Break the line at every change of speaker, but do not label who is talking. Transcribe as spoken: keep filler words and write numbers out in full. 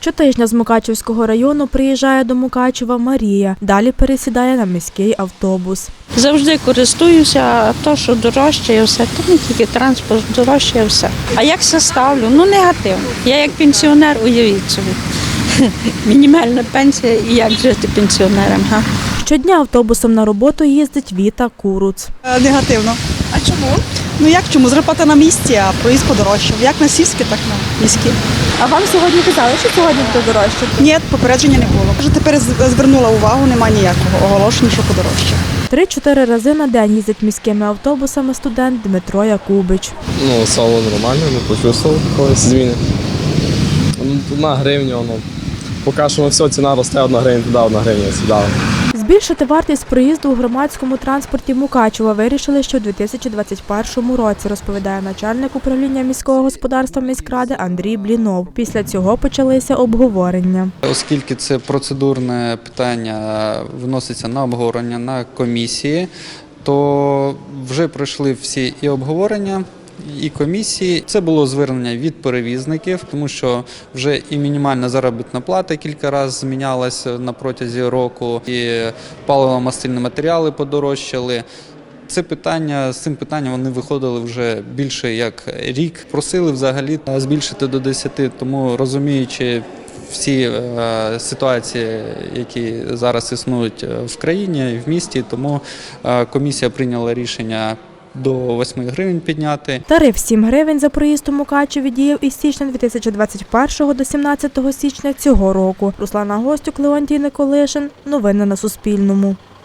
Щотижня з Мукачівського району приїжджає до Мукачева Марія. Далі пересідає на міський автобус.
Завжди користуюся, а то, що дорожче і все, то не тільки транспорт, дорожче і все. А як все ставлю? Ну, негативно. Я як пенсіонер, уявіть собі. Мінімальна пенсія і як жити пенсіонерам. Га?
Щодня автобусом на роботу їздить Віта Куруц.
Негативно.
А чому?
Ну як чому? Зарплата на місці, а проїзд подорожчав. Як на сільські, так на міські.
А вам сьогодні казали, що сьогодні буде дорожче?
Ні, попередження не було. Вже тепер звернула увагу, немає ніякого оголошення, що подорожчав.
Три-чотири рази на день їздить міськими автобусами студент Дмитро Якубич.
Ну, стало нормально, не почувствував якоїсь зміни. Одна гривня, ну, поки що все, ціна росте, одна гривня туди, одна гривня сюди.
Збільшити вартість проїзду у громадському транспорті Мукачева вирішили ще у дві тисячі двадцять першому році, розповідає начальник управління міського господарства міськради Андрій Блінов. Після цього почалися обговорення.
Оскільки це процедурне питання виноситься на обговорення на комісії, то вже пройшли всі і обговорення, і комісії. Це було звернення від перевізників, тому що вже і мінімальна заробітна плата кілька разів змінялася на протязі року, і паливно-мастильні матеріали подорожчали. Це питання, з цим питанням вони виходили вже більше як рік. Просили взагалі збільшити до десяти, тому розуміючи всі е, ситуації, які зараз існують в країні, в місті, тому е, комісія прийняла рішення до восьми гривень підняти.
Тариф сім гривень за проїзд у Мукачеві діяв із січня дві тисячі двадцять першого до сімнадцятого січня цього року. Руслана Гостюк, Леонтій Николишин. Новини на Суспільному.